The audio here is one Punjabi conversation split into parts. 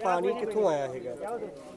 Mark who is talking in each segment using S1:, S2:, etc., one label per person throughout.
S1: ਪਾਣੀ ਕਿੱਥੋਂ ਆਇਆ ਹੈਗਾ?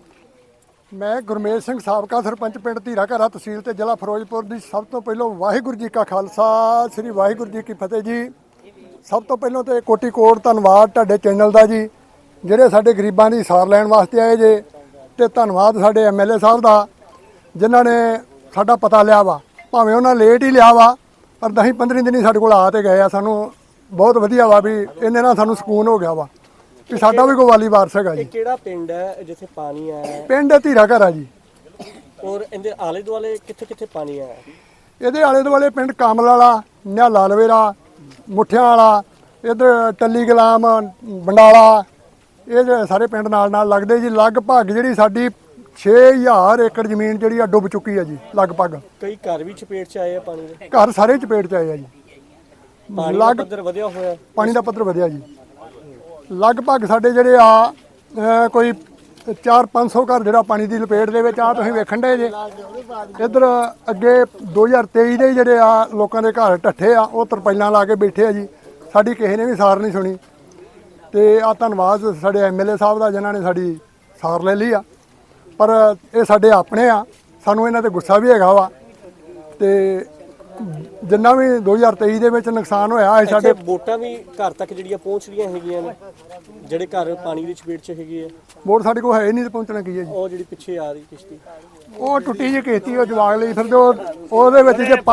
S2: ਮੈਂ ਗੁਰਮੇਜ ਸਿੰਘ ਸਾਬਕਾ ਸਰਪੰਚ ਪਿੰਡ ਧੀਰਾ ਘਰਾ ਤਹਿਸੀਲ ਤੇ ਜ਼ਿਲ੍ਹਾ ਫਿਰੋਜ਼ਪੁਰ ਦੀ। ਸਭ ਤੋਂ ਪਹਿਲਾਂ ਵਾਹਿਗੁਰੂ ਜੀ ਕਾ ਖਾਲਸਾ, ਸ੍ਰੀ ਵਾਹਿਗੁਰੂ ਜੀ ਕੀ ਫਤਿਹ ਜੀ। ਸਭ ਤੋਂ ਪਹਿਲਾਂ ਤੇ ਕੋਟੀ ਕੋਟ ਧੰਨਵਾਦ ਤੁਹਾਡੇ ਚੈਨਲ ਦਾ ਜੀ, ਜਿਹੜੇ ਸਾਡੇ ਗਰੀਬਾਂ ਦੀ ਸਾਰ ਲੈਣ ਵਾਸਤੇ ਆਏ ਜੇ। ਤੇ ਧੰਨਵਾਦ ਸਾਡੇ ਐਮਐਲਏ ਸਾਹਿਬ ਦਾ, ਜਿਨ੍ਹਾਂ ਨੇ ਸਾਡਾ ਪਤਾ ਲਿਆ ਵਾ। ਭਾਵੇਂ ਉਹਨਾਂ ਲੇਟ ਹੀ ਲਿਆ ਵਾ, ਪਰ 10-15 ਦਿਨ ਹੀ ਸਾਡੇ ਕੋਲ ਆ ਤੇ ਗਏ ਆ। ਸਾਨੂੰ ਬਹੁਤ ਵਧੀਆ ਵਾ ਵੀ ਇਹਨੇ ਨਾਲ ਸਾਨੂੰ ਸਕੂਨ ਹੋ ਗਿਆ ਵਾ ਕਿ ਸਾਡਾ ਵੀ ਕੋਈ ਵਾਲੀ ਵਾਰਸ ਹੈਗਾ ਜੀ।
S1: ਕਿਹੜਾ ਪਿੰਡ ਹੈ ਜਿੱਥੇ ਪਾਣੀ ਆਇਆ?
S2: ਪਿੰਡ ਧੀਰਾ ਘਰਾ ਜੀ।
S1: ਔਰ ਇਹਦੇ ਆਲੇ ਦੁਆਲੇ ਕਿੱਥੇ ਕਿੱਥੇ ਪਾਣੀ ਆਇਆ?
S2: ਇਹਦੇ ਆਲੇ ਦੁਆਲੇ ਪਿੰਡ ਕਾਮਲ ਵਾਲਾ, ਨਿਹਾਲਾ ਲਵੇਰਾ, ਮੁੱਠਿਆਂ ਵਾਲਾ, ਇੱਧਰ ਟੱਲੀ ਗੁਲਾਮ, ਬੰਡਾਲਾ, ਇਹ ਜਿਹੜੇ ਸਾਰੇ ਪਿੰਡ ਨਾਲ ਨਾਲ ਲੱਗਦੇ ਜੀ। ਲਗਭਗ ਜਿਹੜੀ ਸਾਡੀ 6000 ਏਕੜ ਜ਼ਮੀਨ ਜਿਹੜੀ ਆ ਡੁੱਬ ਚੁੱਕੀ ਆ ਜੀ ਲਗਭਗ।
S1: ਕਈ ਘਰ ਵੀ ਚਪੇਟ 'ਚ ਆਏ ਆ ਪਾਣੀ ਦੇ?
S2: ਘਰ ਸਾਰੇ ਚਪੇਟ 'ਚ ਆਏ ਆ ਜੀ।
S1: ਪਾਣੀ ਦਾ ਪੱਧਰ ਵਧਿਆ ਹੋਇਆ?
S2: ਪਾਣੀ ਦਾ ਪੱਧਰ ਵਧਿਆ ਜੀ। ਲਗਭਗ ਸਾਡੇ ਜਿਹੜੇ ਆ ਕੋਈ 400-500 ਘਰ ਜਿਹੜਾ ਪਾਣੀ ਦੀ ਲਪੇਟ ਦੇ ਵਿੱਚ ਆ। ਤੁਸੀਂ ਵੇਖਣ ਦੇ ਜੇ ਇੱਧਰ ਅੱਗੇ 2023 ਦੇ ਜਿਹੜੇ ਆ ਲੋਕਾਂ ਦੇ ਘਰ ਢੱਠੇ ਆ, ਉਹ ਤਰਪਾਈਲਾਂ ਲਾ ਕੇ ਬੈਠੇ ਆ ਜੀ। ਸਾਡੀ ਕਿਸੇ ਨੇ ਵੀ ਸਾਰ ਨਹੀਂ ਸੁਣੀ। ਤੇ ਆ ਧੰਨਵਾਦ ਸਾਡੇ ਐਮਐਲਏ ਸਾਹਿਬ ਦਾ, ਜਿਨ੍ਹਾਂ ਨੇ ਸਾਡੀ ਸਾਰ ਲੈ ਲਈ ਆ। ਪਰ ਇਹ ਸਾਡੇ ਆਪਣੇ ਆ, ਸਾਨੂੰ ਇਹਨਾਂ ਤੇ ਗੁੱਸਾ ਵੀ ਹੈਗਾ ਵਾ। ਤੇ ਜਿੰਨਾ ਵੀ 2023 ਦੇ ਵਿੱਚ ਨੁਕਸਾਨ ਹੋਇਆ ਹੈ ਸਾਡੇ
S1: ਵੋਟਾਂ ਵੀ ਘਰ ਤੱਕ ਜਿਹੜੀਆਂ ਪਹੁੰਚ ਰਹੀਆਂ ਹੈਗੀਆਂ ਨੇ, ਜਿਹੜੇ ਘਰ ਪਾਣੀ ਦੀ ਚਪੇਟ 'ਚ ਹੈਗੇ ਆ।
S2: ਵੋਟ ਸਾਡੇ ਕੋਲ ਹੈ ਹੀ ਨਹੀਂ ਤੇ ਪਹੁੰਚਣਾ ਕੀ ਹੈ ਜੀ।
S1: ਉਹ ਜਿਹੜੀ ਪਿੱਛੇ ਆ ਰਹੀ ਕਿਸ਼ਤੀ,
S2: ਉਹ ਟੁੱਟੀ ਜਿਹੀ ਕਿਸ਼ਤੀ, ਉਹ ਜਵਾਗ ਲਈ ਫਿਰਦੇ। ਉਹਦੇ ਵਿੱਚ ਜੇ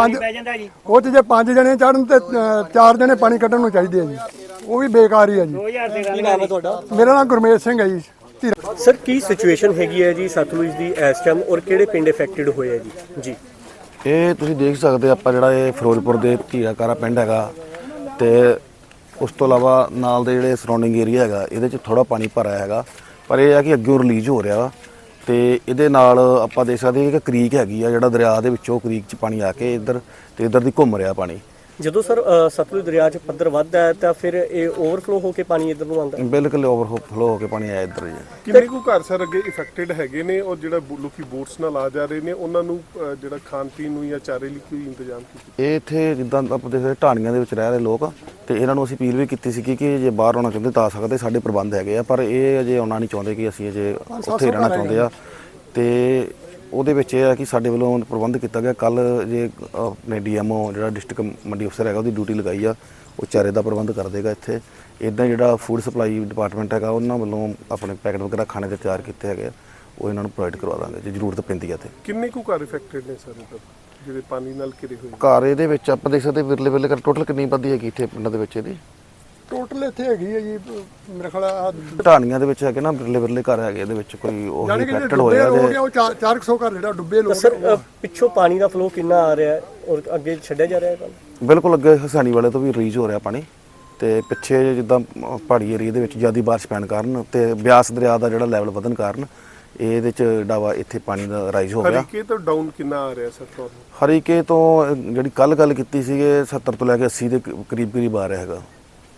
S2: 5 ਜਣੇ ਚੜਨ ਤੇ 4 ਜਣੇ ਪਾਣੀ ਕੱਢਣ ਨੂੰ ਚਾਹੀਦੇ ਆ ਜੀ। ਉਹ ਵੀ ਬੇਕਾਰ ਹੀ ਆ ਜੀ।
S1: ਕੀ ਨਾਮ ਹੈ ਤੁਹਾਡਾ?
S2: ਮੇਰਾ ਨਾਮ ਗੁਰਮੇਜ ਸਿੰਘ ਹੈ ਜੀ।
S1: ਸਰ, ਕੀ ਸਿਚੁਏਸ਼ਨ ਹੈਗੀ ਹੈ ਜੀ ਸਤਲੁਜ ਦੀ ਇਸ ਟਾਈਮ, ਔਰ ਕਿਹੜੇ ਪਿੰਡ ਇਫੈਕਟਡ ਹੋਏ ਆ ਜੀ?
S3: ਇਹ ਤੁਸੀਂ ਦੇਖ ਸਕਦੇ ਆਪਾਂ ਜਿਹੜਾ ਇਹ ਫਿਰੋਜ਼ਪੁਰ ਦੇ ਧੀਰਾ ਘਰਾ ਪਿੰਡ ਹੈਗਾ, ਤੇ ਉਸ ਤੋਂ ਇਲਾਵਾ ਨਾਲ ਦੇ ਜਿਹੜੇ ਸਰਾਊਂਡਿੰਗ ਏਰੀਆ ਹੈਗਾ, ਇਹਦੇ 'ਚ ਥੋੜਾ ਪਾਣੀ ਭਰਿਆ ਹੈਗਾ। ਪਰ ਇਹ ਆ ਕਿ ਅੱਗੇ ਰਿਲੀਜ਼ ਹੋ ਰਿਹਾ ਵਾ। ਤੇ ਇਹਦੇ ਨਾਲ ਆਪਾਂ ਦੇਖ ਸਕਦੇ ਹਾਂ ਕਿ ਕ੍ਰੀਕ ਹੈਗੀ ਆ, ਜਿਹੜਾ ਦਰਿਆ ਦੇ ਵਿੱਚੋਂ ਕ੍ਰੀਕ 'ਚ ਪਾਣੀ ਆ ਕੇ ਇੱਧਰ ਤੇ ਇੱਧਰ ਦੀ ਘੁੰਮ ਰਿਹਾ ਪਾਣੀ।
S1: ਜਦੋਂ ਸਰ ਸਤਲੁਜ ਦਰਿਆ 'ਚ ਪੱਧਰ ਵੱਧਦਾ ਹੈ ਤਾਂ ਫਿਰ ਇਹ ਓਵਰਫਲੋ ਹੋ ਕੇ ਪਾਣੀ ਇੱਧਰ ਨੂੰ ਆਉਂਦਾ?
S3: ਬਿਲਕੁਲ ਓਵਰਫਲੋ ਹੋ ਕੇ ਪਾਣੀ ਆਇਆ ਇੱਧਰ ਜੀ।
S4: ਕਿੰਨੇ ਕੁ ਘਰ ਸਰ ਅੱਗੇ ਇਫੈਕਟਡ ਹੈਗੇ ਨੇ, ਔਰ ਜਿਹੜਾ ਲੋਕੀ ਬੋਟਸ ਨਾਲ ਆ ਜਾ ਰਹੇ ਨੇ, ਉਹਨਾਂ ਨੂੰ ਜਿਹੜਾ ਖਾਣ ਪੀਣ ਨੂੰ ਜਾਂ ਚਾਰੇ ਲਈ ਕੋਈ ਇੰਤਜ਼ਾਮ ਕੀਤਾ?
S3: ਇਹ ਇੱਥੇ ਜਿੱਦਾਂ ਆਪਾਂ ਦੇਖਦੇ ਢਾਣੀਆਂ ਦੇ ਵਿੱਚ ਰਹਿ ਰਹੇ ਲੋਕ, ਤੇ ਇਹਨਾਂ ਨੂੰ ਅਸੀਂ ਅਪੀਲ ਵੀ ਕੀਤੀ ਸੀ ਕਿ ਜੇ ਬਾਹਰ ਆਉਣਾ ਚਾਹੁੰਦੇ ਤਾਂ ਆ ਸਕਦੇ, ਸਾਡੇ ਪ੍ਰਬੰਧ ਹੈਗੇ ਆ। ਪਰ ਇਹ ਅਜੇ ਆਉਣਾ ਨਹੀਂ ਚਾਹੁੰਦੇ ਕਿ ਅਸੀਂ ਅਜੇ ਉੱਥੇ ਰਹਿਣਾ ਚਾਹੁੰਦੇ ਆ। ਤੇ ਉਹਦੇ ਵਿੱਚ ਇਹ ਹੈ ਕਿ ਸਾਡੇ ਵੱਲੋਂ ਪ੍ਰਬੰਧ ਕੀਤਾ ਗਿਆ। ਕੱਲ ਜੇ ਆਪਣੇ ਡੀਐਮਓ ਜਿਹੜਾ ਡਿਸਟ੍ਰਿਕਟ ਮੰਡੀ ਅਫਸਰ ਹੈਗਾ, ਉਹਦੀ ਡਿਊਟੀ ਲਗਾਈ ਆ, ਉਹ ਚਾਰੇ ਦਾ ਪ੍ਰਬੰਧ ਕਰ ਦੇਗਾ ਇੱਥੇ। ਇੱਦਾਂ ਜਿਹੜਾ ਫੂਡ ਸਪਲਾਈ ਡਿਪਾਰਟਮੈਂਟ ਹੈਗਾ, ਉਹਨਾਂ ਵੱਲੋਂ ਆਪਣੇ ਪੈਕਟ ਵਗੈਰਾ ਖਾਣੇ ਦੇ ਤਿਆਰ ਕੀਤੇ ਹੈਗੇ ਆ, ਉਹ ਇਹਨਾਂ ਨੂੰ ਪ੍ਰੋਵਾਈਡ ਕਰਵਾ ਦਾਂਗੇ ਜੇ ਜ਼ਰੂਰਤ ਪੈਂਦੀ ਹੈ। ਤੇ
S4: ਕਿੰਨੇ ਕੁ ਘਰ ਇਫੈਕਟਡ ਨੇ ਸਰ ਜਿਹੜੇ ਪਾਣੀ ਨਾਲ ਘਿਰੇ ਹੋਏ?
S3: ਘਰ ਇਹਦੇ ਵਿੱਚ ਆਪਾਂ ਦੇਖ ਸਕਦੇ ਵਿਰਲੇ ਵਿਰਲੇ ਕਰ ਟੋਟਲ ਕਿੰਨੀ ਆਬਾਦੀ ਹੈਗੀ ਇੱਥੇ ਪਿੰਡਾਂ ਦੇ ਵਿੱਚ? ਇਹਦੀ
S2: ਟੋਟਲ ਇੱਥੇ ਹੈਗੀ ਹੈ ਜੀ ਮੇਰੇ ਖਿਆਲ
S3: ਢਾਣੀਆਂ ਦੇ ਵਿੱਚ ਹੈਗੇ ਨਾ ਵਿਰਲੇ ਵਿਰਲੇ ਘਰ ਹੈਗੇ, ਇਹਦੇ ਵਿੱਚ ਕੋਈ ਉਹ ਇਫੈਕਟਡ ਹੋਇਆ
S2: ਜੇ ਉਹ 400 ਘਰ ਜਿਹੜਾ ਡੁੱਬੇ ਲੋਕ।
S1: ਸਰ, ਪਿੱਛੋਂ ਪਾਣੀ ਦਾ ਫਲੋ ਕਿੰਨਾ ਆ ਰਿਹਾ ਹੈ ਔਰ ਅੱਗੇ ਛੱਡਿਆ ਜਾ ਰਿਹਾ ਹੈ?
S3: ਬਿਲਕੁਲ ਅੱਗੇ ਹਸਾਨੀ ਵਾਲੇ ਤੋਂ ਵੀ ਰਿਲੀਜ਼ ਹੋ ਰਿਹਾ ਪਾਣੀ। ਤੇ ਪਿੱਛੇ ਜਿੱਦਾਂ ਪਹਾੜੀ ਏਰੀਆ ਦੇ ਵਿੱਚ ਜ਼ਿਆਦਾ ਬਾਰਿਸ਼ ਪੈਣ ਕਾਰਨ ਤੇ ਬਿਆਸ ਦਰਿਆ ਦਾ ਜਿਹੜਾ ਲੈਵਲ ਵਧਣ ਕਾਰਨ ਇਹਦੇ ਚ ਡਾਵਾ ਇੱਥੇ ਪਾਣੀ ਦਾ ਰਾਈਜ਼ ਹੋ ਗਿਆ।
S4: ਹਰੀਕੇ ਤੋਂ ਡਾਊਨ ਕਿੰਨਾ ਆ ਰਿਹਾ ਸਰ ਤੁਹਾਨੂੰ?
S3: ਹਰੀਕੇ ਤੋਂ ਜਿਹੜੀ ਕੱਲ ਗੱਲ ਕੀਤੀ ਸੀਗੇ 70 ਤੋਂ ਲੈ ਕੇ 80 ਦੇ ਕਰੀਬ ਆ ਰਿਹਾ ਹੈਗਾ।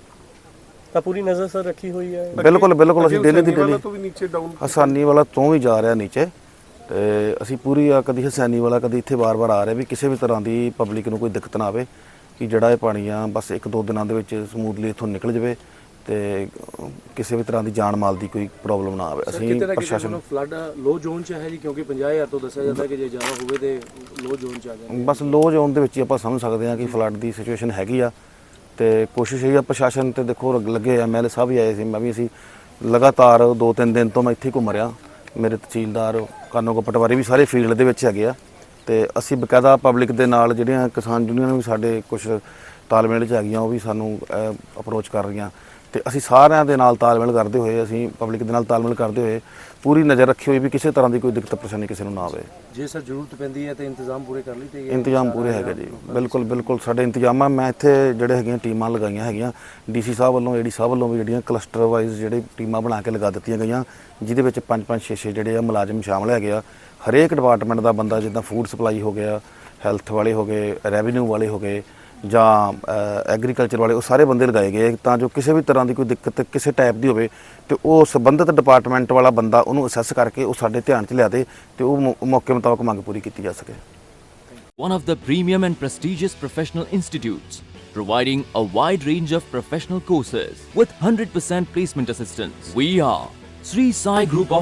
S1: ਤਾਂ ਪੂਰੀ ਨਜ਼ਰ ਸਰ ਰੱਖੀ ਹੋਈ ਹੈ?
S3: ਬਿਲਕੁਲ ਬਿਲਕੁਲ ਅਸੀਂ ਡੇਲੀ ਦੀ ਡੇਲੀ
S4: ਹਸਾਨੀ
S3: ਵਾਲਾ ਤੋਂ ਵੀ ਜਾ ਰਿਹਾ ਨੀਚੇ। ਤੇ ਅਸੀਂ ਪੂਰੀ ਕਦੀ ਹਸਾਨੀ ਵਾਲਾ ਕਦੀ ਇੱਥੇ ਵਾਰ-ਵਾਰ ਆ ਰਿਹਾ ਵੀ ਕਿਸੇ ਵੀ ਤਰ੍ਹਾਂ ਦੀ ਪਬਲਿਕ ਨੂੰ ਕੋਈ ਦਿੱਕਤ ਨਾ ਆਵੇ, ਕਿ ਜਿਹੜਾ ਇਹ ਪਾਣੀ ਆ ਬਸ 1-2 ਦਿਨਾਂ ਦੇ ਵਿੱਚ ਸਮੂਥਲੀ ਇੱਥੋਂ ਨਿਕਲ ਜਾਵੇ ਤੇ ਕਿਸੇ ਵੀ ਤਰ੍ਹਾਂ ਦੀ ਜਾਨ ਮਾਲ ਦੀ ਕੋਈ ਪ੍ਰੋਬਲਮ ਨਾ ਆਵੇ। ਅਸੀਂ ਪ੍ਰਸ਼ਾਸਨ
S5: ਫਲੱਡ ਲੋ ਜ਼ੋਨ 'ਚ ਹੈ ਜੀ, ਕਿਉਂਕਿ 50000 ਤੋਂ ਦੱਸਿਆ ਜਾਂਦਾ ਕਿ ਜੇ ਜ਼ਿਆਦਾ ਹੋਵੇ ਤੇ ਲੋ ਜ਼ੋਨ 'ਚ ਆ ਜਾਵੇ।
S3: ਬਸ ਲੋ ਜ਼ੋਨ ਦੇ ਵਿੱਚ ਹੀ ਆਪਾਂ ਸਮਝ ਸਕਦੇ ਹਾਂ ਕਿ ਫਲੱਡ ਦੀ ਸਿਚੁਏਸ਼ਨ ਹੈਗੀ ਆ। ਤੇ ਕੋਸ਼ਿਸ਼ ਇਹ ਆ ਪ੍ਰਸ਼ਾਸਨ ਤੇ ਦੇਖੋ ਲੱਗੇ ਐਮਐਲਏ ਸਾਹਿਬ ਵੀ ਆਏ ਸੀ, ਮੈਂ ਵੀ ਅਸੀਂ ਲਗਾਤਾਰ 2-3 ਦਿਨ ਤੋਂ ਮੈਂ ਇੱਥੇ ਘੁੰਮ ਰਿਹਾ। ਮੇਰੇ ਤਹਿਸੀਲਦਾਰ ਕਾਨੋਗੋ ਪਟਵਾਰੀ ਵੀ ਸਾਰੇ ਫੀਲਡ ਦੇ ਵਿੱਚ ਹੈਗੇ ਆ। ਤੇ ਅਸੀਂ ਬਕਾਇਦਾ ਪਬਲਿਕ ਦੇ ਨਾਲ ਜਿਹੜੀਆਂ ਕਿਸਾਨ ਯੂਨੀਅਨ ਵੀ ਸਾਡੇ ਕੁਝ ਤਾਲਮੇਲ 'ਚ ਹੈਗੀਆਂ, ਉਹ ਵੀ ਸਾਨੂੰ ਅਪਰੋਚ ਕਰ ਰਹੀਆਂ। ਤੇ ਅਸੀਂ ਸਾਰਿਆਂ ਦੇ ਨਾਲ ਤਾਲਮੇਲ ਕਰਦੇ ਹੋਏ, ਅਸੀਂ ਪਬਲਿਕ ਦੇ ਨਾਲ ਤਾਲਮੇਲ ਕਰਦੇ ਹੋਏ ਪੂਰੀ ਨਜ਼ਰ ਰੱਖੀ ਹੋਈ ਵੀ ਕਿਸੇ ਤਰ੍ਹਾਂ ਦੀ ਕੋਈ ਦਿੱਕਤ ਪਰੇਸ਼ਾਨੀ ਕਿਸੇ ਨੂੰ ਨਾ ਆਵੇ।
S5: ਜੇ ਸਰ ਜ਼ਰੂਰਤ ਪੈਂਦੀ ਹੈ ਤੇ ਇੰਤਜ਼ਾਮ ਪੂਰੇ ਕਰ ਲਈ ਤੇ
S3: ਇੰਤਜ਼ਾਮ ਪੂਰੇ ਹੈਗੇ ਜੀ। ਬਿਲਕੁਲ ਬਿਲਕੁਲ ਸਾਡੇ ਇੰਤਜ਼ਾਮ ਆ। ਮੈਂ ਇੱਥੇ ਜਿਹੜੇ ਹੈਗੀਆਂ ਟੀਮਾਂ ਲਗਾਈਆਂ ਹੈਗੀਆਂ ਡੀਸੀ ਸਾਹਿਬ ਵੱਲੋਂ, ਏਡੀ ਸਾਹਿਬ ਵੱਲੋਂ ਵੀ ਜਿਹੜੀਆਂ ਕਲਸਟਰ ਵਾਈਜ਼ ਜਿਹੜੇ ਟੀਮਾਂ ਬਣਾ ਕੇ ਲਗਾ ਦਿੱਤੀਆਂ ਗਈਆਂ, ਜਿਹਦੇ ਵਿੱਚ 5-5 6-6 ਜਿਹੜੇ ਆ ਮੁਲਾਜ਼ਮ ਸ਼ਾਮਲ ਹੈਗੇ ਆ। ਹਰੇਕ ਡਿਪਾਰਟਮੈਂਟ ਦਾ ਬੰਦਾ, ਜਿੱਦਾਂ ਫੂਡ ਸਪਲਾਈ ਹੋ ਗਿਆ, ਹੈਲਥ ਵਾਲੇ ਹੋ ਗਏ, ਰੈਵਨਿਊ ਵਾਲੇ ਹੋ ਗਏ ਜਾਂ ਐਗਰੀਕਲਚਰ ਵਾਲੇ, ਉਹ ਸਾਰੇ ਬੰਦੇ ਲਗਾਏ ਗਏ ਤਾਂ ਜੋ ਕਿਸੇ ਵੀ ਤਰ੍ਹਾਂ ਦੀ ਕੋਈ ਦਿੱਕਤ ਕਿਸੇ ਟਾਈਪ ਦੀ ਹੋਵੇ ਤੇ ਉਹ ਸੰਬੰਧਿਤ ਡਿਪਾਰਟਮੈਂਟ ਵਾਲਾ ਬੰਦਾ ਉਹਨੂੰ ਅਸੈਸ ਕਰਕੇ ਉਹ ਸਾਡੇ ਧਿਆਨ 'ਚ ਲਿਆ ਦੇ ਤੇ ਉਹ ਮੌਕੇ ਮੁਤਾਬਕ ਮੰਗ ਪੂਰੀ ਕੀਤੀ ਜਾ ਸਕੇ।
S6: One of the premium and prestigious professional institutes, providing a wide range of professional courses with 100% placement assistance. We are Sri Sai Group of